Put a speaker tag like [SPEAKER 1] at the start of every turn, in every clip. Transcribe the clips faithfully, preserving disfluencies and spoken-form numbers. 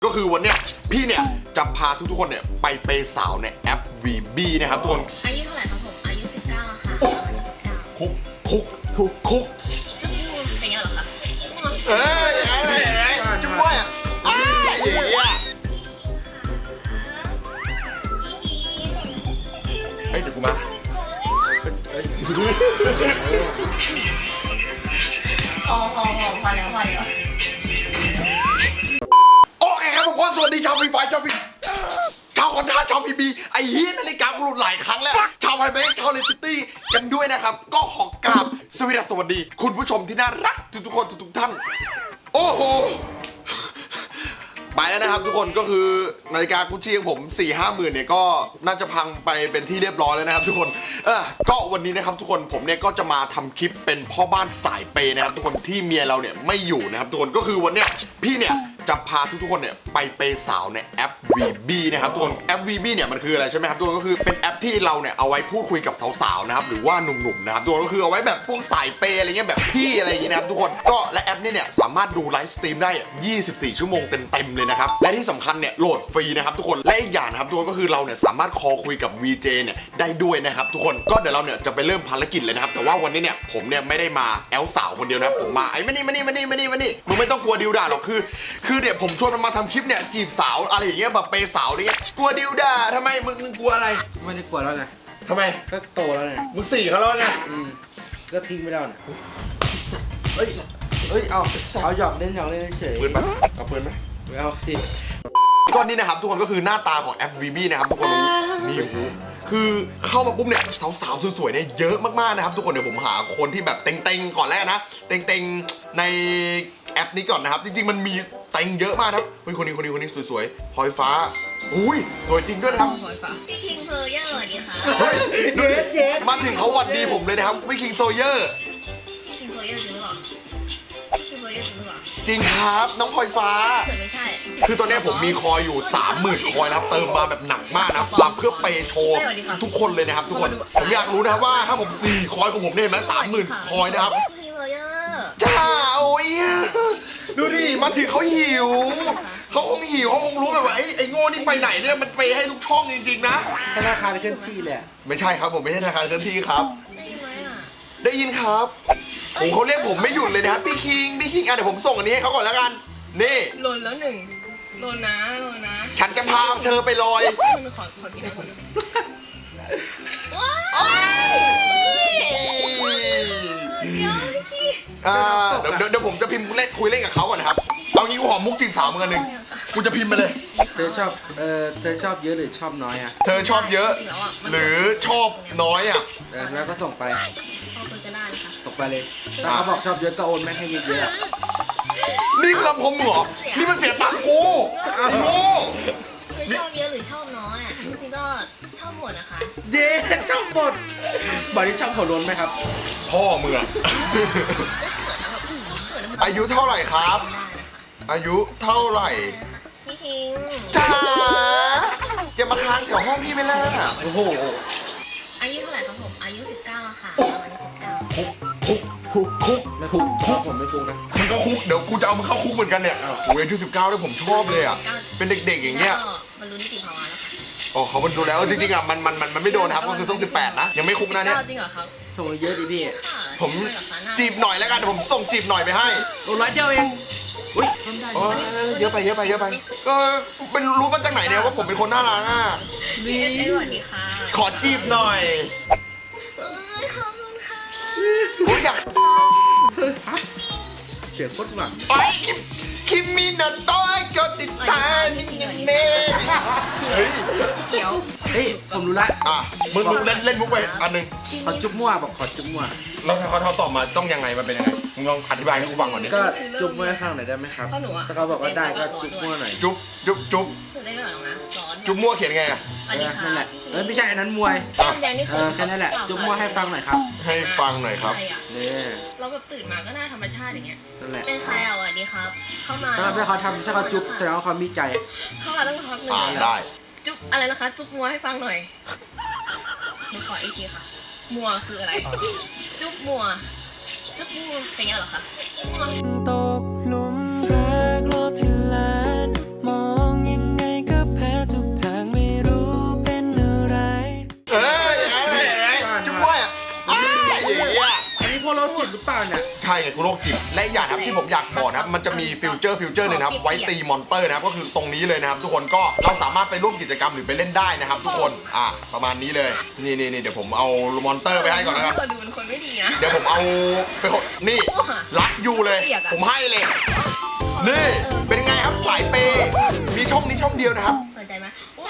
[SPEAKER 1] ก็คือวันเนี้ยพี่เนี่ยจะพาทุกๆคนเนี่ยไปเปย์สาวในแอป วี บี นะครับทุกคน
[SPEAKER 2] อายุเท่าไหร่ครับผมอายุสิบเก้าค่ะอายุสิบเก้า
[SPEAKER 1] คุกคุกคุกคุก
[SPEAKER 2] จุ๊บเป็นไงเหรอคะ
[SPEAKER 1] เอ้ยอะไรอะไรจุ๊บว่าอ้ายเดี๋ยวเฮ้ยเดี๋ยวกูมา
[SPEAKER 2] พอพอพอพอแล้วพอแล้ว
[SPEAKER 1] โอเคครับผมก็สวัสดีชาวฟรีไฟชาวฟรีชาวคอนท่าชาวพีบีไอ้เฮียนาฬิกากูหลุดหลายครั้งแล้วชาวไฮเบสชาวเลซิตี้กันด้วยนะครับก็ขอกราบสวัสดีสวัสดีคุณผู้ชมที่น่ารักทุกๆคนทุกๆท่านโอ้โหไปแล้วนะครับทุกคนก็คือนาฬิกากุชชี่ของผม สี่ห้าหมื่นเนี่ยก็น่าจะพังไปเป็นที่เรียบร้อยแล้วนะครับทุกคนเออก็วันนี้นะครับทุกคนผมเนี่ยก็จะมาทำคลิปเป็นพ่อบ้านสายเปย์นะครับทุกคนที่เมียเราเนี่ยไม่อยู่นะครับทุกคนก็คือวันเนี้ยพี่เนี่ยจะพาทุกๆคนเนี่ยไปเปย์สาวในแอป วี บี นะครับทุกคนแอป วี บี เนี่ยมันคืออะไรใช่ไหมครับทุกคนก็คือเป็นแอปที่เราเนี่ยเอาไว้พูดคุยกับสาวๆนะครับหรือว่าหนุ่มๆนะครับทุกคนก็คือเอาไว้แบบพวกสายเปย์อะไรเงี้ยแบบพี่อะไรอย่างเงี้ยนะครับทุกคนก็และแอปนี้เนี่ยสามารถดูไลฟ์สตรีมได้ยี่สิบสี่ชั่วโมงเต็มๆเลยนะครับและที่สำคัญเนี่ยโหลดฟรีนะครับทุกคนและอีกอย่างนะครับทุกคนก็คือเราเนี่ยสามารถคอลคุยกับ วี เจ เนี่ยได้ด้วยนะครับทุกคนก็เดี๋ยวเราเนี่ยจะไปเริ่มภารกิจเลยนะครับแต่ว่าวันนี้เนี่ยผมเนี่ยไม่ได้มาแอลสาวคนเดียวนะครับผมมาไอ้มานี่มานี่มานี่มานี่มานี่มึงไม่ต้องกลัวดิวด่าหรอกคือคือเนี่ยผมชวนมันมาทำคลิปเนี่ยจีบสาวอะไรอย่างเงี้ยแบบเปย์สาวอะไรเงี้ยกลัวดิวด่าทำไมมึงมึงกลัวอะไร
[SPEAKER 3] ไม่ได้กลัวแล้วไง
[SPEAKER 1] ทำไม
[SPEAKER 3] ก็โตแล้วไง
[SPEAKER 1] มึงสี่เขาแล้วไง
[SPEAKER 3] อืมก็ทิ้งไปแล้วเฮ้ยเฮ้ยเอาเอาหยอกเล่นหยอกเล่นเฉย
[SPEAKER 1] ปืนปะเอาปืนไหม
[SPEAKER 3] ไม่เอาสิ
[SPEAKER 1] ก้อนนี้นะครับทุกคนก็คือหน้าตาของแอป วี บี นะครับทุกคนนี่คือเข้ามาปุ๊บเนี่ยสาวๆสวยๆเนี่ยเยอะมากๆนะครับทุกคนเดี๋ยวผมหาคนที่แบบเต็งๆก่อนแรกนะเต็งๆในแอปนี้ก่อนนะครับจริงๆมันมีเต็งเยอะมากครับเฮ้ยคนนี้คนนี้คนนี้สวยๆพลอยฟ้าอุ้ยสวยจริงด้วยนะครับ
[SPEAKER 2] พลอยฟ้าพี่คิงเพอร์เยอร์สวัสดีค่ะ
[SPEAKER 1] เฮ้ยเย็ดเย็ดมาถึงเขาหวัดดีผมเลยนะครับพี่คิงโซเยอร์
[SPEAKER 2] พี่คิงโซเยอร์จริงหรือเปล่าพี่คิงโซเยอร์จริงหรือเปล่า
[SPEAKER 1] จริงครับน้องพลอยฟ้า
[SPEAKER 2] ไม่ใช่
[SPEAKER 1] คือตอนนี้ผมมีคอยอยู่ สามหมื่น คอยนะครับเติมมาแบบหนักมากนะครับมาเพื่อเปย์โชว์ทุกคนเลยนะครับทุกคนผมอยากรู้นะครับว่าถ้าผมตีคอยของผมเนี่ยเห็นไหมสามหมื่นคอยนะครับ
[SPEAKER 2] พี่คิงเพอร์เยอร์
[SPEAKER 1] จ้าโอ้ยดูดิมาถึงเขาหิวเขาคงหิวเขาคงรู้แบบว่าไอ้ไอ้โง่นี่ไปไหนเนี่ยมันไปให้ทุกช่องจริงๆนะ
[SPEAKER 3] ธนาคารเคลื่อนที่แหละ
[SPEAKER 1] ไม่ใช่ครับผมไม่ใช่ธนาคารเคลื่อนที่ครับ
[SPEAKER 2] ได้ยินไหมอ่ะ
[SPEAKER 1] ได้ยินครับผมเขาเรียกผมไม่หยุดเลยนะครับพี่คิงพี่คิงอ่ะเดี๋ยวผมส่งอันนี้ให้เขาก่อนแล้วกันนี่
[SPEAKER 2] หล่นแล้วหนึ่งหล่นนะหล่นนะ
[SPEAKER 1] ฉันจะพาเธอไปลอย
[SPEAKER 2] มันขอขอกินนะคนเดี๋ยวพี่
[SPEAKER 1] อ่าเดี๋ยวเดี๋ยวผมจะพิมพ์เล่นคุยเล่นกับเขาก่อนนะครับเอางี้กูหอมมุกจีบสาวมึงอันหนึ่งกูจะพิมพ์ไปเลย
[SPEAKER 3] เธอชอบเออเธอชอบเยอะหรือชอบน้อยอ่ะ
[SPEAKER 1] เธอชอบเยอะหรือชอบน้อยอ่ะ
[SPEAKER 3] แล้วก็ส่งไป
[SPEAKER 2] เอาคุยกันได้ค่ะ
[SPEAKER 3] ส่งไปเลยถ้าเขาบอกชอบเยอะก็โอนแม่ให้เยอะ
[SPEAKER 1] ๆนี่คือคำคมเหรอนี่มันเสียตังค์กูโง่
[SPEAKER 2] คือชอบเยอะหรือชอบน้อยอ่ะจริงๆก็ชอบหมดนะคะ
[SPEAKER 3] เย้ชอบหมดบอกที่ชอบขอล้นไหมครับ
[SPEAKER 1] พ่อมึงอะอายุเท่าไหร่ครับอายุเท่าไหร่
[SPEAKER 2] พี่คิง
[SPEAKER 1] จ้าอย่ามาค้างแถวห้องพี่ไม่ล่ะ
[SPEAKER 3] โอ้โห
[SPEAKER 2] อายุเท่าไหร่ครับผมอายุสิบเก้าค่ะอายุสิบเก้า
[SPEAKER 1] คุกคุกคุกคุก
[SPEAKER 3] ไม่คุกคุกผมไม่คุกนะ
[SPEAKER 1] มึงก็คุกเดี๋ยวกูจะเอามึงเข้าคุกเหมือนกันเนี่ยโอ้ยอายุสิบเก้าด้วยผมชอบเลยอ่ะเป็นเด็กๆอย่างเงี้ย
[SPEAKER 2] บรรลุนิติภาวะแล้วค่ะ
[SPEAKER 1] อ๋อเขาบรรลุแล้วจริงๆอ่ะมันมันมันมันไม่โดนครับก็คือต้องสิบแปดนะยังไม่คุกนะเนี่ย
[SPEAKER 2] จริงเหรอครับ
[SPEAKER 3] ส่งเยอะดิพี่
[SPEAKER 1] ผมจีบหน่อยแล้วกันผมส่งจีบหน่อยไปให้
[SPEAKER 3] โอ้ร้อยเดียวเองอุ้ย
[SPEAKER 1] เยอะไปเยอะไปเยอะไปก็เป็นรู้มาจากไหนเนี่ยว่าผมเป็นคนน่ารักอ่ะ
[SPEAKER 2] นี่สวัสดีค่ะ
[SPEAKER 1] ขอจีบหน่อย
[SPEAKER 2] เอ้ยขอบคุณค่ะ
[SPEAKER 1] ผมอยาก
[SPEAKER 3] เสียงโคตรหวาน
[SPEAKER 1] ไปคิมมินาโต้ก็ติดตามมินิเมะ
[SPEAKER 2] เขียว
[SPEAKER 3] เฮ้ยผมรู้ละ
[SPEAKER 1] อ่ะมึงมึงเล่นเล่นมุกไปอันนึง
[SPEAKER 3] ขอจุ๊บมั่วบอกขอจุ๊บมั่ว
[SPEAKER 1] แล้วเขาเขาตอบมาต้องยังไงมันเป็นยังไงมึงลองอธิบายให้กูฟังก่อนดิ
[SPEAKER 3] ก็จุ๊บมั่วให้ฟังหน่อยได้ไหมครับถ้าเขาบอกว่าได้ก็จุ๊บมั่วหน่อย
[SPEAKER 1] จุ๊บจุ๊บจุ๊บ
[SPEAKER 2] ได้หน่อยนะร้อน
[SPEAKER 1] จุ๊บมั่วเขียนไงอ่ะ
[SPEAKER 3] นั่นแหละเออไม่ใช่อันนั้นมวย
[SPEAKER 2] แดงนี่คือ
[SPEAKER 3] แค่นั้นแหละจุ๊บมั่วให้ฟังหน่อยครับ
[SPEAKER 1] ให้ฟังหน่อยครับ
[SPEAKER 3] เนี่ย
[SPEAKER 2] เราแบบตื่นมาก็น่าธรรมชาติอย่างเงี้ย
[SPEAKER 3] นั่นแหละ
[SPEAKER 2] เป็นใครอ่ะสวัสดีครับเข้ามา
[SPEAKER 3] ถ้าเขาทำถ้าเขาจุ๊บแสดงว่าเขามีใจ
[SPEAKER 2] เข้ามาตั้งพักหนึ่ง
[SPEAKER 1] ได้
[SPEAKER 2] จุ๊บอะไรนะคะจุ๊บมัวให้ฟังหน่อยหนูขออีกทีค่ะมัวคืออะไรจุ๊บมัวจุ๊บมัวเป็นไงเหรอคะ
[SPEAKER 4] ตกหลุมรักรอบที่แลนด์มอง
[SPEAKER 1] ช่ไงกูโรคจิตและอย่างนะครับที่ผมอยากบอกนะครับมันจะมีฟิวเจอร์ฟิวเจอร์หนึ่งนะครับไว้ตีมอนเตอร์นะครับก็คือตรงนี้เลยนะครับทุกคนก็เราสามารถไปร่วมกิจกรรมหรือไปเล่นได้นะครับทุกคนอ่ะประมาณนี้เลยนี่นี่นี่เดี๋ยวผมเอามอนเตอร์ไปให้ก่อนนะครับ
[SPEAKER 2] เธอดูเป็นคนไม่ดีนะ
[SPEAKER 1] เดี๋ยวผมเอาไปคนนี่รักยูเลยผมให้เลยนี่เป็นไงครับสายเปย์มีช่องนี้ช่องเดียวนะครับ
[SPEAKER 2] สนใจไหม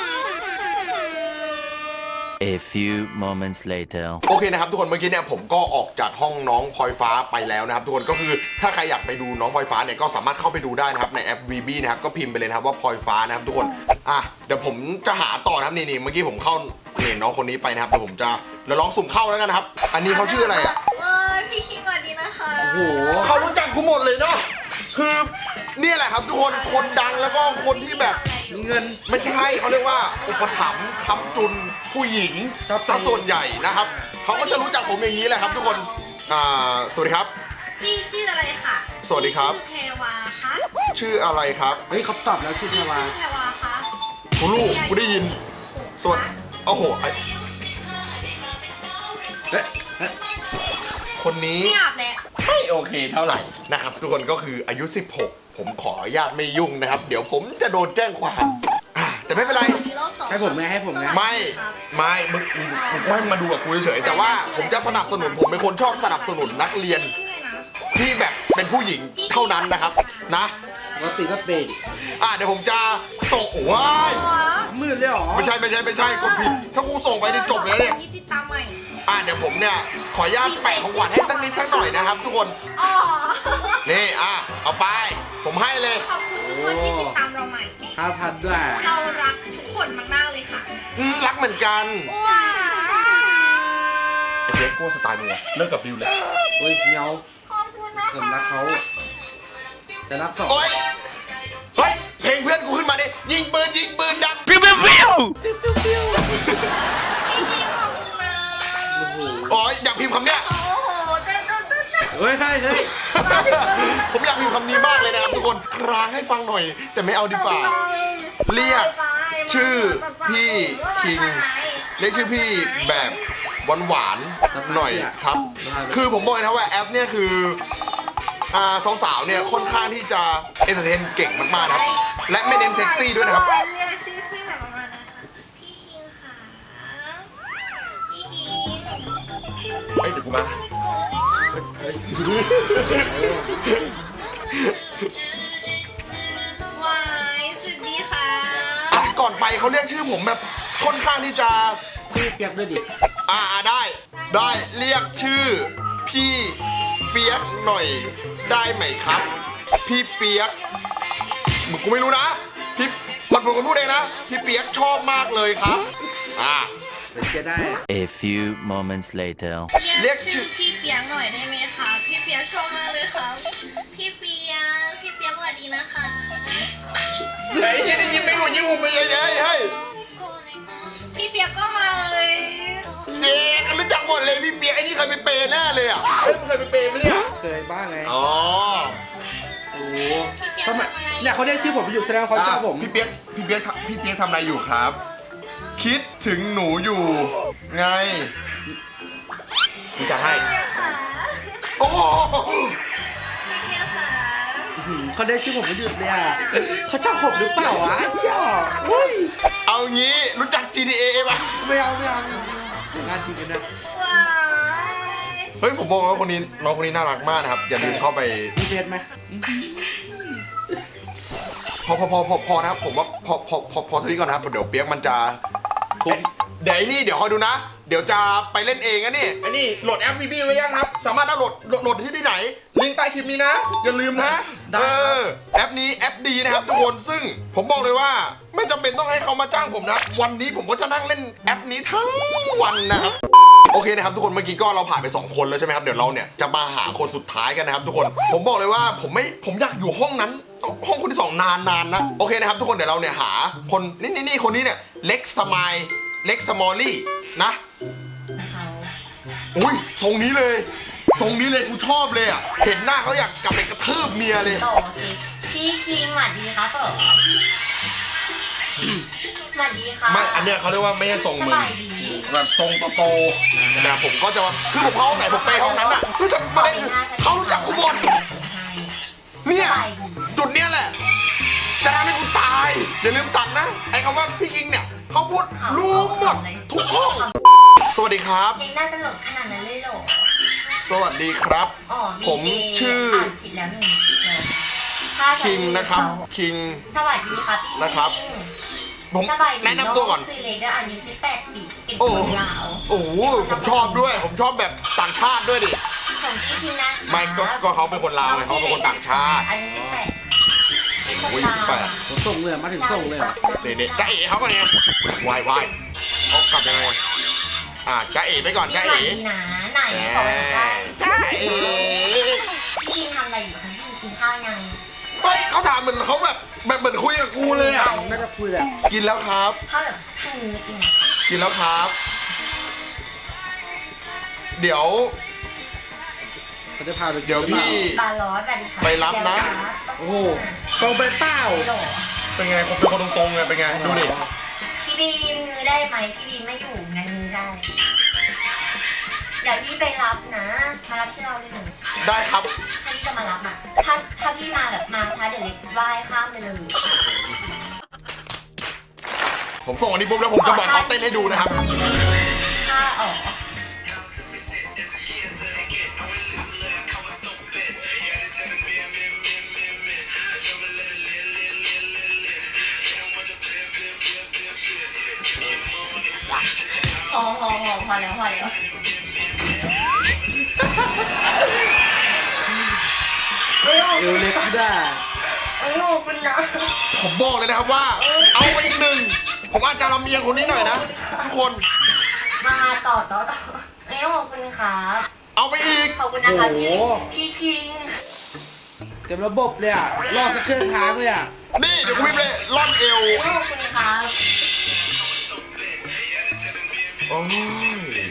[SPEAKER 4] A few moments later
[SPEAKER 1] โอเคนะครับทุกคนเมื่อกี้เนี่ยผมก็ออกจากห้องน้องพลอยฟ้าไปแล้วนะครับทุกคนก็คือถ้าใครอยากไปดูน้องพลอยฟ้าเนี่ยก็สามารถเข้าไปดูได้นะครับในแอป วี บี นะครับก็พิมพ์ไปเลยนะครับว่าพลอยฟ้านะครับทุกคนอ่ะเดี๋ยวผมจะหาต่อนะครับนี่นี่เมื่อกี้ผมเข้าเนี่ยน้องคนนี้ไปนะครับเดี๋ยวผมจะเราลองสุ่มเข้าแล้วกันนะครับอันนี้เขาชื่ออะไรอ่ะ
[SPEAKER 2] เอ้ยพี่ชิงก่อนดีนะคะ
[SPEAKER 3] โอ้โห
[SPEAKER 1] เขารู้จักกูหมดเลยเนาะคือเนี่ยแหละครับทุกคนคนดังแล้วก็คนที่แบบ
[SPEAKER 3] มีเงิน
[SPEAKER 1] ไม่ใช่เขาเรียกว่าอุปถัมภ์ค้ำจุนผู้หญิง
[SPEAKER 3] ครับ
[SPEAKER 1] ซะส่วนใหญ่นะครับเขาก็จะรู้จักผมอย่างนี้แหละครับทุกคนอ่าสวัสดีครับ
[SPEAKER 2] พี่ชื่ออะไรคะ
[SPEAKER 1] สวัสดีครับ
[SPEAKER 2] ชื่อแพรวาคะ
[SPEAKER 1] ชื่ออะไรครับ
[SPEAKER 3] เฮ้ยเขาตอบแล้วชื่อแพร
[SPEAKER 2] พี่
[SPEAKER 3] วา
[SPEAKER 2] ชื่อแพรวาคะ
[SPEAKER 1] กูลูกกูได้ยินสวัสดีโอ้โหไอ้
[SPEAKER 3] เฮ้ยเฮ้ย
[SPEAKER 1] คนนี้
[SPEAKER 2] ไม่อาบแล้ว
[SPEAKER 1] ไม่โอเคเท่าไหร่นะครับทุกคนก็คืออายุสิบหกผมขออนุญาตไม่ยุ่งนะครับ เดี๋ยวผมจะโดนแจ้งความอ่ะแต่ไม่เป็นไร
[SPEAKER 2] มีรอบสอง
[SPEAKER 3] ให้ผมไหมให้ผมไหม
[SPEAKER 1] ไม่ไม่มึงมึงมึงไม่มาดูกับกูเฉยๆแต่ว่าผมจะสนับสนุนผมเป็นคนชอบสนับสนุนนักเรียน
[SPEAKER 2] ชื่ออะไรนะ
[SPEAKER 1] ที่แบบเป็นผู้หญิงเท่านั้นนะครับนะ
[SPEAKER 3] ปกติก็เปย์ดิ
[SPEAKER 1] อ่ะเดี๋ยวผมจะส่งโอ้ย
[SPEAKER 3] มืดเลยเหรอ
[SPEAKER 1] ไม่ใช่ไม่ใช่ไม่ใช่กดผิดถ้ากูส่งไปนี่จบเลยเนี่ย
[SPEAKER 2] ที่ติดตามใหม่
[SPEAKER 1] อ่ะเดี๋ยวผมเนี่ยขออนุญาตแปะของขวัญให้สักนิดสักหน่อยนะครับ ทุกคน
[SPEAKER 2] อ๋อ
[SPEAKER 1] นี่อ่ะเอาไป ผมให้เลย
[SPEAKER 2] ขอบคุณทุกคนที่ติดตามเราใหม่
[SPEAKER 3] ห้าพันด้วย
[SPEAKER 2] เรารักทุกคนมากๆเลยค่ะ
[SPEAKER 1] อืมรักเหมือนกัน
[SPEAKER 2] ว้า
[SPEAKER 1] ไอ้เจ๊กูสไตล์มึงอะเลิกกับบิวเลย
[SPEAKER 3] โอ้ยเมียว
[SPEAKER 2] ขอบคุณนะ
[SPEAKER 3] ผม
[SPEAKER 2] คะ
[SPEAKER 3] รักเขาแต่รักสอง
[SPEAKER 1] โอ๊ยเฮ้ยเพลงเพื่อนกูขึ้นมาดิยิงปืนยิงปืนดัง
[SPEAKER 4] Pew pew pew
[SPEAKER 2] พี่ชิงขอบคุณนะ
[SPEAKER 3] โอ้โห
[SPEAKER 1] อ๋ออยากพิมพ์คำเนี้ย
[SPEAKER 2] โอ้โหเต้นเต้นเต้นเต้น
[SPEAKER 3] เฮ้ยใช่ใช่
[SPEAKER 1] ผมอยากพิมพ์คำนี้มากเลยนะครับทุกคนครางให้ฟังหน่อย แต่ไม่เอาดีฝ่า เรียกชื่อพี่คิง เรียกชื่อพี่แบบหวานๆหน่อยครับ คือผมบอกเลยนะว่าแอปเนี่ยคืออ่าสาวๆเนี่ยค่อนข้างที่จะเอนเตอร์เทนเก่งมากๆนะครับ และไม่เน้นเซ็กซี่ด้วยนะครับ
[SPEAKER 2] เรียกชื่อพี่แบบประมาณนั้นค่ะพี่คิงค่ะพี่คิง
[SPEAKER 1] เฮ้ยเดี๋ยวกูมา
[SPEAKER 2] วายสุดดีค่ะ
[SPEAKER 1] อ่ะก่อนไปเขาเรียกชื่อผมแบบค่อนข้างที่จะ
[SPEAKER 3] พี่เปียกด้วยดิ
[SPEAKER 1] อ่าได้ ได้เรียกชื่อ พี่เปียกหน่อยได้ไหมครับ พี่เปียกมึงกูไม่รู้นะพี่มันผมก็พูดเองนะพี่เปียกชอบมากเลยครับอ่า
[SPEAKER 3] เดี๋ยวจะได้
[SPEAKER 4] A few moments later
[SPEAKER 2] เรียกชื่อพี่เปียกหน่อยได้ไหมคะพี่เปียกชอบมากเลยค่ะพี่เปียกพี่เปียกสวัสดีนะคะ
[SPEAKER 1] เฮ้ยได้ยินไม่รู้ยิงผมไปเยอะๆเฮ้ย
[SPEAKER 2] พี่เปียกก็มาเลย
[SPEAKER 1] เด็กรู้จักหมดเลยพี่เปียกไอ้นี่เคยไปเปย์แน่เลยอ่ะเฮ้ยมึงเคยไปเปย์ไหมเนี่ย
[SPEAKER 3] เคยบ้างไง
[SPEAKER 1] อ๋อ
[SPEAKER 3] โอ้โหทำไมเนี่ยเขาเรียกชื่อผมอยู่แสดงว่าเขาชอบผม
[SPEAKER 1] พี่เปียกพี่เปียกทำพี่เปียกทำอะไรอยู่ครับ คิดถึงหนูอยู่ไงพี่จะให้
[SPEAKER 2] พี่เปียกค่ะ
[SPEAKER 1] โอ้โห
[SPEAKER 2] พี่เปียกค่ะ
[SPEAKER 3] อื้อหือเขาเรียกชื่อผมไม่หยุดเลยอ่ะเขาชอบผมหรือเปล่าวะเชี่ยเฮ้ย
[SPEAKER 1] เอางี้รู้จัก จี ที เอ ป่ะ
[SPEAKER 3] ไม่เอาไม่เอาไม่เอางานจริงกันนะ
[SPEAKER 2] ว้าย
[SPEAKER 1] เฮ้ยผมบอกว่าคนนี้น้องคนนี้น่ารักมากนะครับอย่าลืมเข้าไป
[SPEAKER 3] มีเฟซไหม
[SPEAKER 1] พอพอพอพอพอนะครับผมว่าพอพอพอพอทีนี้ก่อนนะครับเดี๋ยวเปียกมันจะผมเดี๋ยวไอ้นี่เดี๋ยวคอยดูนะ เดี๋ยวจะไปเล่นเองนะนี่ไอ้นี่โหลดแอป วี บี ไว้ยังครับ สามารถดาวน์โหลดโหลดโหลดที่ที่ไหนลิงก์ใต้คลิปนี้นะ อย่าลืมนะเออแอปนี้แอปดีนะครับทุกคนซึ่งผมบอกเลยว่าไม่จำเป็นต้องให้เขามาจ้างผมนะวันนี้ผมก็จะนั่งเล่นแอปนี้ทั้งวันนะครับโอเคนะครับทุกคนเมื่อกี้ก็เราผ่านไปสองคนแล้วใช่ไหมครับเดี๋ยวเราเนี่ยจะมาหาคนสุดท้ายกันนะครับทุกคนผมบอกเลยว่าผมไม่ผมอยากอยู่ห้องนั้น ห้องคนที่สองนานนานนะโอเคนะครับทุกคนเดี๋ยวเราเนี่ยหาคนนี่นี่นี่คนนี้เนี่ยเล็กสมายเล็กสมอลลี่นะอุ้ยทรงนี้เลยทรงนี้เลยกูชอบเลยอ่ะเห็นหน้าเขาอยากกลับไปกระทืบเมียเลย
[SPEAKER 5] โอเคพี่คิงสวัสดีครับผมสวัสดีครับ
[SPEAKER 1] ไม่อันเนี้ยเขาเรียกว่าไม่ใช่ทรง
[SPEAKER 5] ส
[SPEAKER 1] มึง
[SPEAKER 5] บายดี
[SPEAKER 1] แบบทรงโตๆแต่ผมก็จะว่าคือผมเข้าห้องไหนผมไปห้องนั้นอ่ะคือจะประเด็นคือเขารู้จักกูหมดหมด
[SPEAKER 5] ให้
[SPEAKER 1] เนี่ย
[SPEAKER 5] สบายดี
[SPEAKER 1] จุดเนี้ยแหละ จะทำให้กูตาย อย่าลืมตัดนะ ไอ้คำว่าพี่คิงเนี่ยเขาพูดรู้หมดทุกห้อง สวัสดีครับ
[SPEAKER 5] เองน่าตลกขนาดนั้นเลยเหรอ
[SPEAKER 1] สวัสดีครับ
[SPEAKER 5] อ๋อ
[SPEAKER 1] ผม
[SPEAKER 5] บีเจ
[SPEAKER 1] ชื่อ
[SPEAKER 5] อ่านผิดแล้วหนึ่งถ้าจะ
[SPEAKER 1] คิงนะครับ
[SPEAKER 5] เรียกเขา
[SPEAKER 1] คิง
[SPEAKER 5] สวัสดีครับพี่
[SPEAKER 1] นะครับ
[SPEAKER 5] คิง
[SPEAKER 1] ผม
[SPEAKER 5] สบายดี
[SPEAKER 1] แนะนำตัวก่อน
[SPEAKER 5] งซื้อเล็กด้วยอายุสิบแปดปีเป็น
[SPEAKER 1] โอ้
[SPEAKER 5] คนลาว
[SPEAKER 1] โอ้โหผมชอบด้วย ผมชอบแบบต่างชาติด้วยดิ
[SPEAKER 5] ผมชื่อคิงนะ
[SPEAKER 1] ไม่ก็ก็เขาเป็นคนลาวไงเขาเป็นคนต่างชาติ
[SPEAKER 5] อายุสิบแปดเป็นคน
[SPEAKER 1] โอ้ย
[SPEAKER 5] ลาว
[SPEAKER 1] สิบแปด
[SPEAKER 3] ผมส่งเลยมาถึงส่งเลยเหรอ
[SPEAKER 1] เนี่ยเนี่ยจ้าเอ๋เขาก่อนเนี่ยวายวายเอากลับยังไงอ่าจ้าเอ๋ไปก่อน
[SPEAKER 5] พี่
[SPEAKER 1] จ้า
[SPEAKER 5] หวั
[SPEAKER 1] เอ๋
[SPEAKER 5] ดดีนะไหนขอสัมภาษณ์
[SPEAKER 1] จ้าเอ๋
[SPEAKER 5] พี่คิงทำอะไรอยู่คะพี่กินข้าวยัง
[SPEAKER 1] เฮ้ยเขาถามเหมือนเขาแบบแบบเหมือนคุยกับกูเลยอ่ะ
[SPEAKER 3] น่าจะคุยแหละ
[SPEAKER 1] กินแล้วครับ
[SPEAKER 5] ข้าวแบบทางนี้จริงอะ
[SPEAKER 1] กินแล้วครับ เดี๋ยว
[SPEAKER 3] เขาจะพาไปกิน
[SPEAKER 1] เดี๋ยวพี่
[SPEAKER 5] ปลาร้อยแบบนี้ค่ะ
[SPEAKER 1] ไปรับนะ
[SPEAKER 5] เดี๋ยวรับ
[SPEAKER 3] โอ้โหตรงไปเป้า
[SPEAKER 5] ไม่หรอ
[SPEAKER 1] เป็นไงผมเป็นคนตรงๆไงเป็นไงดูดิ
[SPEAKER 5] พี่บีมงือได้ไหมพี่บีมไม่อยู่งั้นงือได้ เดี๋ยวพี่ไปรับนะมารับที่เราเลยหนึ่ง
[SPEAKER 1] ได้ครับ
[SPEAKER 5] ถ้าพี่จะมารับอ่ะถ้าถ้าพี่มาแบบมาช้าเดี๋ยวเล็กว่ายข้ามไปเลย
[SPEAKER 1] ผมส่งอันนี้ปุ๊บแล้วผมจะบอกเขาเต้นให้ดูนะครับ
[SPEAKER 5] ถ้าอ๋อ พอพอพอพอแล้วพอแล้ว
[SPEAKER 3] เอวเล็กได้
[SPEAKER 5] โอ้โหคุณนะ
[SPEAKER 1] ผมบอกเลยนะครับว่า เอาไปอีกหนึ่งผมอาจจะลำเอียงคนนี้หน่อยนะทุกคน
[SPEAKER 5] มาต่อต่อต่อเอ้ยขอบคุณครับ
[SPEAKER 1] เอาไปอีก
[SPEAKER 5] ขอบคุณนะคะพี่พี่ชิง
[SPEAKER 3] เต็มระบบเลยอ่ะรอดสักเครื่องค้างเลยอ่ะ
[SPEAKER 1] นี่เดี๋ยวกูพิมพ์เลยล่อนเอว
[SPEAKER 5] ขอบคุณครับ
[SPEAKER 1] โอ้ย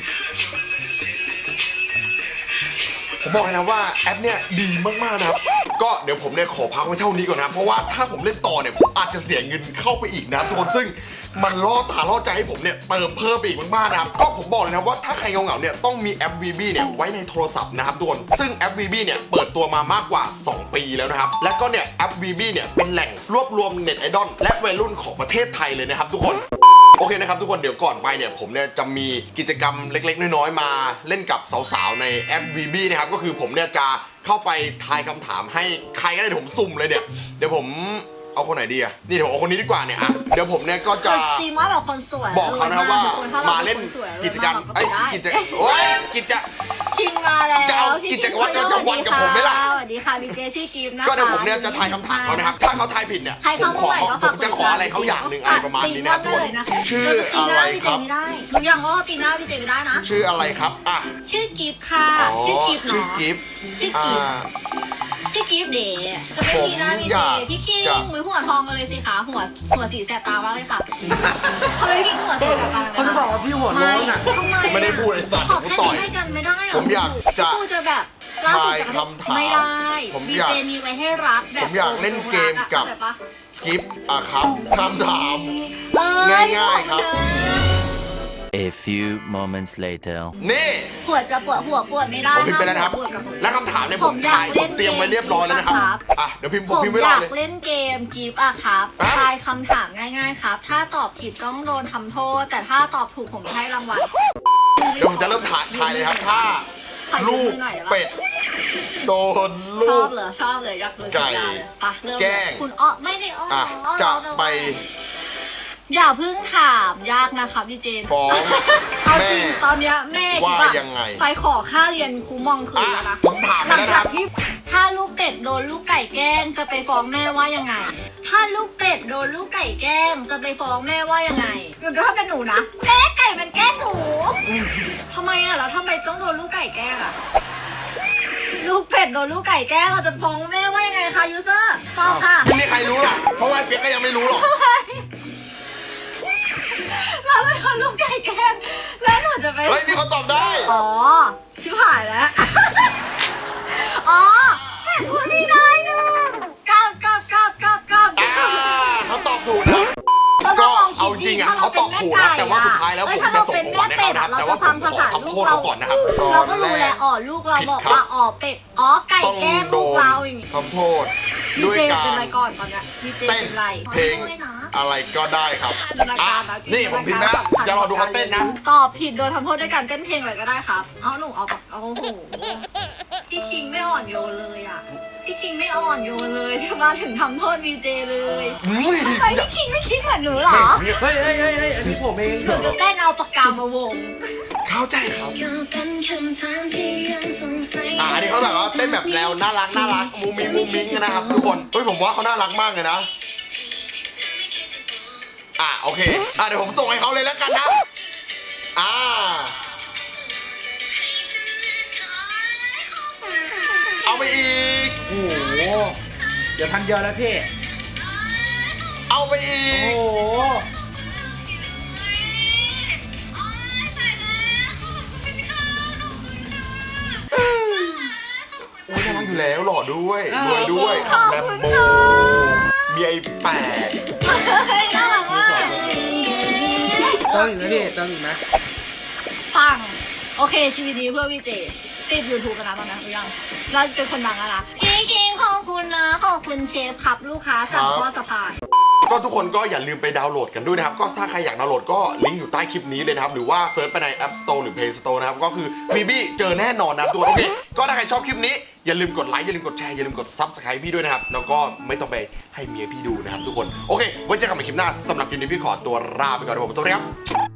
[SPEAKER 1] ผมบอกเลยนะว่าแอปเนี่ยดีมากๆนะครับ ก็เดี๋ยวผมเนี่ยขอพักไว้เท่านี้ก่อนนะ เพราะว่าถ้าผมเล่นต่อเนี่ยผมอาจจะเสียเงินเข้าไปอีกนะทุกคนซึ่งมันล่อตาล่อใจให้ผมเนี่ยเติมเพิ่มไปอีกมากๆนะครับ ก็ผมบอกเลยนะว่าถ้าใครเหงาๆเนี่ยต้องมีแอป วี บี เนี่ยไว้ในโทรศัพท์นะครับทุกคนซึ่งแอป วี บี เนี่ยเปิดตัวมามากกว่าสองปีแล้วนะครับ และก็เนี่ยแอป วี บี เนี่ยเป็นแหล่งรวบรวมเน็ตไอดอลและวัยรุ่นของประเทศไทยเลยนะครับทุกคน โอเคนะครับทุกคนเดี๋ยวก่อนไปเนี่ยผมเนี่ยจะมีกิจกรรมเล็กๆน้อยๆมาเล่นกับสาวๆในแอป วี บี นะครับก็คือผมเนี่ยจะเข้าไปทายคำถามให้ใครก็ได้เดี๋ยวผมสุ่มเลยเนี่ยเดี๋ยวผมเอาคนไหนดีอะนี่เดี๋ยวผมเอาคนนี้ดีกว่าเนี่ยอะเดี๋ยวผมเนี่ยก็จะ
[SPEAKER 2] ซีมว่าแบบคนสวย
[SPEAKER 1] บอกเขานะครับว่า
[SPEAKER 2] คนถ้ร
[SPEAKER 1] มาเล่น
[SPEAKER 2] ป็คสวย
[SPEAKER 1] กิจกรรม
[SPEAKER 2] เรา
[SPEAKER 1] ไอ้ย
[SPEAKER 2] ได้
[SPEAKER 1] กิจโอ้ยกิจ
[SPEAKER 2] คิงมาแล้ว
[SPEAKER 1] จะเอา
[SPEAKER 2] พี่
[SPEAKER 1] กิจวัตรประจำวันกับผมไหมล่ะ
[SPEAKER 2] สวัสดีค่ะพี่เจชื่อกิฟต์นะคะ
[SPEAKER 1] ก็เดี๋ยวผมเนี่ยจะทายคำถามเขานะครับถ้าเขาทายผิดเนี่ย
[SPEAKER 2] ใคร
[SPEAKER 1] ผม
[SPEAKER 2] เข้า
[SPEAKER 1] ข
[SPEAKER 2] มา
[SPEAKER 1] อ
[SPEAKER 2] ใหม่ก็
[SPEAKER 1] ผ
[SPEAKER 2] ฝาก
[SPEAKER 1] มจะขออะไรเขาอย่างหนึ่งอะไรประมาณนี้นะครับทุกคนชื่ออะไรครับ
[SPEAKER 2] ตีหน้าพี่เจไม่ได้รู้ยังว่าตีหน้าพี่เจไม่ได้นะ
[SPEAKER 1] ชื่ออะไรครับอ่ะ
[SPEAKER 2] ชื่อกิฟต์ค่ะ
[SPEAKER 1] อ๋อ
[SPEAKER 2] ชื่อกิฟต์
[SPEAKER 1] ชื่อ
[SPEAKER 2] เนาะ
[SPEAKER 1] กิฟต์
[SPEAKER 2] ชื่อ
[SPEAKER 1] อ่
[SPEAKER 2] กิฟต์
[SPEAKER 1] า
[SPEAKER 2] ชื่อกิฟต์เดย์จะเป็นตีหน้าพี่
[SPEAKER 1] ผมอ
[SPEAKER 2] เจ
[SPEAKER 1] ยาก
[SPEAKER 2] พี่คิง
[SPEAKER 1] จะ
[SPEAKER 2] มือหัวทองกันเลยสิคะหัวหัวสีแสบตามากเลยค่ะทำไมพี่คิงหัวสีแสบตา
[SPEAKER 3] เขาจะบอกว่าพี่หัวโล้นอ่ะ
[SPEAKER 2] ทำไม
[SPEAKER 1] ไม่ได้พูดไอ้สัตว์
[SPEAKER 2] ขอ
[SPEAKER 1] กู
[SPEAKER 2] แค่
[SPEAKER 1] ต่อย
[SPEAKER 2] นี้ให้กันไม่ได้เหร
[SPEAKER 1] ผมอยากจะ
[SPEAKER 2] พูดจะแบบล่าสุดจะ
[SPEAKER 1] ทายคำถาม
[SPEAKER 2] ไม่ได้
[SPEAKER 1] ผม
[SPEAKER 2] ดี
[SPEAKER 1] อยาก
[SPEAKER 2] เจมีไว้ให้รักแบบ
[SPEAKER 1] ผมอยากเล่นเกมกับ
[SPEAKER 2] เข้าใจปะ
[SPEAKER 1] กิฟต์อ่ะครับคำถาม
[SPEAKER 2] เอ้
[SPEAKER 1] ง่ายๆครับ
[SPEAKER 4] A few moments later.
[SPEAKER 1] นี่
[SPEAKER 2] ปวดจะปวดหัวปวดไม่ได้
[SPEAKER 1] ผมพิมพ์ไปแล้วนะครับ
[SPEAKER 2] ปวดกับหัว
[SPEAKER 1] และคำถามเนี่ยผม
[SPEAKER 2] ผมอยาก
[SPEAKER 1] ถ่ายผมเตรียมไว้เรียบร้อยแล้วนะครับ
[SPEAKER 2] เล่นเกม
[SPEAKER 1] อ่ะเดี๋ยวพิมพ์ผ
[SPEAKER 2] ผม ม
[SPEAKER 1] พิมพ์ไว้
[SPEAKER 2] อ
[SPEAKER 1] รอย
[SPEAKER 2] าก
[SPEAKER 1] เลย
[SPEAKER 2] เล่นเกมกิฟต์อะครับ
[SPEAKER 1] ฮะ
[SPEAKER 2] ทายคำถามง่ายๆครับ ถ้าตอบผิดต้องโดนทำโทษ แต่ถ้าตอบถูกผมจะให้รางวัล
[SPEAKER 1] เดี๋ยวผมจะเริ่มถ่ายถ่ายเลยครับถ้า
[SPEAKER 2] ถ่าย
[SPEAKER 1] ลูก
[SPEAKER 2] หน่อยได้ปะ
[SPEAKER 1] เป็ดโดน
[SPEAKER 2] ช
[SPEAKER 1] ลู
[SPEAKER 2] อก บเหรอชอบเลยอยากเลย
[SPEAKER 1] ไก่
[SPEAKER 2] สัญญาเลยไปเริ่ม
[SPEAKER 1] แกล้ง
[SPEAKER 2] คุณอ้อไม่ได้อ้อ
[SPEAKER 1] อ่ะ
[SPEAKER 2] อ้อ
[SPEAKER 1] จะ
[SPEAKER 2] เรา
[SPEAKER 1] ไป
[SPEAKER 2] อย่าเพิ่งถามยากนะคะพี่เจน
[SPEAKER 1] ฟ้อง
[SPEAKER 2] เอา
[SPEAKER 1] แม่
[SPEAKER 2] จริงตอนเนี้ยแม่
[SPEAKER 1] ว่า
[SPEAKER 2] คิด
[SPEAKER 1] ยังไง
[SPEAKER 2] ไปขอค่าเรียนครูมองคืนแล้วนะ
[SPEAKER 1] อ่ะผมถาม
[SPEAKER 2] ห
[SPEAKER 1] ไป
[SPEAKER 2] ลัง
[SPEAKER 1] แล้วนะค
[SPEAKER 2] จา
[SPEAKER 1] รั
[SPEAKER 2] ก
[SPEAKER 1] บ
[SPEAKER 2] ที่ถ้าลูกเป็ดโดนลูกไก่แกล้งจะไปฟ้องแม่ว่ายังไง ถ้าลูกเป็ดโดนลูกไก่แกล้งจะไปฟ้องแม่ว่ายังไงเดี๋ยวถ้าเป็นหนูนะแม่ไก่มันแกล้งหนูทำไมอะแล้วทำไมต้องโดนลูกไก่แกล้งอะลูกเป็ดโดนลูกไก่แกล้งเราจะฟ้องแม่ว่ายังไงคะยูเซอร์ตอบค่ะ
[SPEAKER 1] ไม่มีใครรู้หรอกเพราะว่าเปียกก็ยังไม่รู้หรอก
[SPEAKER 2] เราจะโดนลูกไก่แกล้งแล้วหนูจะไป
[SPEAKER 1] เฮ้ยมีคนตอบได้
[SPEAKER 2] อ๋อ ชิบหายแล้ว อ๋อเห็นพูดไม่ได้หนึ่งกับกับกับกับกับ
[SPEAKER 1] อ่าเขาตอบถูกนะครับ
[SPEAKER 2] ก็
[SPEAKER 1] ก็
[SPEAKER 2] ลองคิ
[SPEAKER 1] เอา
[SPEAKER 2] ด
[SPEAKER 1] ริงๆอ่ะเขาตอบถูกนะแต่ว่าสุดท้ายแล้วผมจะส่งของขวัญให้เขานะครับแต่ว่าผมขอทำโทษเขาก่อนนะครับต
[SPEAKER 2] เรา
[SPEAKER 1] อน
[SPEAKER 2] ก็
[SPEAKER 1] แร
[SPEAKER 2] รู้แหละ
[SPEAKER 1] ก
[SPEAKER 2] อ๋อลูกเรา
[SPEAKER 1] ผิด
[SPEAKER 2] บอก
[SPEAKER 1] ครับ
[SPEAKER 2] ว่าอ๋อเป็ดอ๋อไก่
[SPEAKER 1] ต้อง
[SPEAKER 2] แกล้ง
[SPEAKER 1] โด
[SPEAKER 2] ลูก
[SPEAKER 1] น
[SPEAKER 2] เราอย่างงี้
[SPEAKER 1] ทำโทษ
[SPEAKER 2] ดี
[SPEAKER 1] ด้วย
[SPEAKER 2] เจ
[SPEAKER 1] กา
[SPEAKER 2] เป็น
[SPEAKER 1] ร
[SPEAKER 2] ไรก่อนตอนเนี้ยดีเจ
[SPEAKER 1] เต้น
[SPEAKER 2] เป็นไร
[SPEAKER 1] เพลง
[SPEAKER 2] ด้วยนะ
[SPEAKER 1] อะไรก็ได้ครับ
[SPEAKER 2] มีราย
[SPEAKER 1] อ่ะ
[SPEAKER 2] การนะ
[SPEAKER 1] นี่ผมพิมพ์นะจะรอดูเขาเต้นนะ
[SPEAKER 2] ตอบผิดโดนทำโทษด้วยการเต้นเพลงอะไรก็ได้ครับเอาหนูเอาแบบเอาโอ้โหพี่คิงไม่อ่อนโยนเลยอ่ะพี่คิงไม่อ่อนโยนเลยที่มาถึงทำโทษดีเจเลย
[SPEAKER 1] อุ้ย
[SPEAKER 2] ทำไมพี่คิงไม่คิดเหมือนหนูเหรอ
[SPEAKER 3] เฮ้ยเฮ้ยเฮ้ยเฮ้ยอันนี้ผมเอง
[SPEAKER 2] หนูจะเต้นเอาปากกามาวง
[SPEAKER 1] เข้าใจครับ
[SPEAKER 6] ก็เป็นคำถามที่ยังสงสัย
[SPEAKER 1] อ่านี่เขาแบบว่าเต้นแบบแนวน่ารักน่ารักมุ้งมิ้งมุ้งมิ้งนะครับทุกคนเฮ้ยผมว่าเขาน่ารักมากเลยนะอ่าโอเคอ่าเดี๋ยวผมส่งให้เขาเลยแล้วกันนะอ่าเอาไปอีก
[SPEAKER 3] โอ้โหเดี๋ยวพันเดียวแล้วพี่
[SPEAKER 1] เอาไปอี
[SPEAKER 3] โอ้
[SPEAKER 1] ก
[SPEAKER 3] โห
[SPEAKER 1] โอ้ยน่ารักอยู่แล้วหล่อด้วยรวยด้วย
[SPEAKER 2] ขอบ
[SPEAKER 1] แลม
[SPEAKER 2] คุณ
[SPEAKER 1] โบ
[SPEAKER 2] ค่ะ
[SPEAKER 1] มีไอ้แปด
[SPEAKER 2] เฮ้ยน่ารักมาก
[SPEAKER 3] เติมอีกไหมพี่เติมอีกไหม
[SPEAKER 2] ปังโอเคชีวิตนี้เพื่อพี่เจติดยูทูบกันนะตอนนั้นหรือยังเราเป็นคนดังแล้วนะพี่คิงขอบคุณนะขอบคุณเชฟครับลูกค้าสั่งข้อสะพาน
[SPEAKER 1] ก็ทุกคนก็อย่าลืมไปดาวน์โหลดกันด้วยนะครับ ก็ถ้าใครอยากดาวน์โหลดก็ลิงก์อยู่ใต้คลิปนี้เลยนะครับ หรือว่าเซิร์ชไปใน App Store หรือ Play Store นะครับ ก็คือบีบี้เจอแน่นอนนะครับตัวโอเค ก็ถ้าใครชอบคลิปนี้ อย่าลืมกดไลค์อย่าลืมกดแชร์อย่าลืมกด Subscribe พี่ด้วยนะครับ แล้วก็ไม่ต้องไปให้เมียพี่ดูนะครับทุกคน โอเค ไว้เจอกันใหม่คลิปหน้าสำหรับคลิปนี้พี่ขอตัวลาไปก่อนนะครับผมสวัสดีครับ